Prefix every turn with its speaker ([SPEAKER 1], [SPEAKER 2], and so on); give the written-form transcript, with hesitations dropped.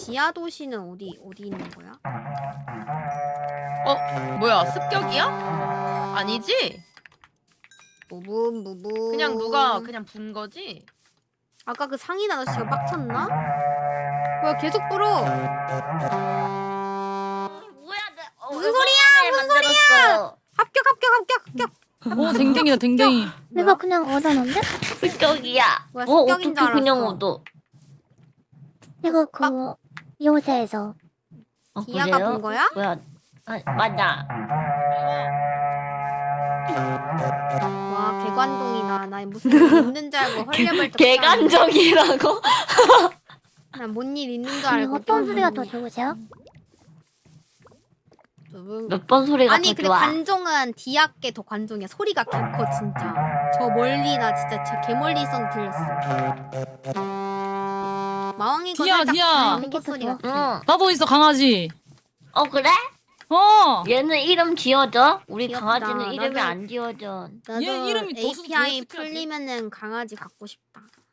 [SPEAKER 1] 지하 도시는 어디 있는 거야?
[SPEAKER 2] 뭐야 습격이야? 아니지?
[SPEAKER 1] 무분.
[SPEAKER 2] 그냥 누가 그냥 분 거지?
[SPEAKER 1] 아까 그 상인 아저씨가 빡쳤나? 뭐야 계속 불어.
[SPEAKER 3] 뭐야?
[SPEAKER 1] 무슨 소리야? 무슨 소리야? 합격.
[SPEAKER 4] 댕댕이다 댕댕이.
[SPEAKER 5] 내가 그냥 얻어놓은데?
[SPEAKER 3] 습격이야.
[SPEAKER 1] 뭐야,
[SPEAKER 3] 어떻게
[SPEAKER 1] 습격인 줄
[SPEAKER 3] 그냥
[SPEAKER 1] 알았어.
[SPEAKER 3] 얻어?
[SPEAKER 5] 내가 그 요새에서
[SPEAKER 1] 디아가
[SPEAKER 3] 그래요?
[SPEAKER 1] 본 거야?
[SPEAKER 3] 뭐야? 맞아.
[SPEAKER 1] 와 개관동이다. 나 무슨 일 있는 줄 알고 헐레벌떡.
[SPEAKER 3] 개간적이라고?
[SPEAKER 1] 난뭔 일 있는 줄
[SPEAKER 5] 아니,
[SPEAKER 1] 알고.
[SPEAKER 5] 어떤 소리가 더 좋으세요?
[SPEAKER 3] 몇 번 소리가
[SPEAKER 1] 아니
[SPEAKER 3] 더
[SPEAKER 1] 근데
[SPEAKER 3] 좋아?
[SPEAKER 1] 관종은 디아께 더 관종이야. 소리가 개 커 진짜. 저 멀리 나 진짜 저 개멀리 있었는데 들렸어. 마왕이 거
[SPEAKER 4] 디아,
[SPEAKER 1] 살짝
[SPEAKER 4] 디아.
[SPEAKER 1] 방귀 소리
[SPEAKER 3] 응.
[SPEAKER 1] 같아.
[SPEAKER 4] 나도 있어 강아지.
[SPEAKER 3] 그래? 얘는 이름 지어져? 우리
[SPEAKER 1] 귀엽다.
[SPEAKER 3] 강아지는 이름이
[SPEAKER 1] 나도-
[SPEAKER 3] 안 지어져.
[SPEAKER 1] 나도
[SPEAKER 4] 얘 이름이 더
[SPEAKER 1] API
[SPEAKER 4] 스트레스
[SPEAKER 1] 풀리면은 강아지 갖고 싶다.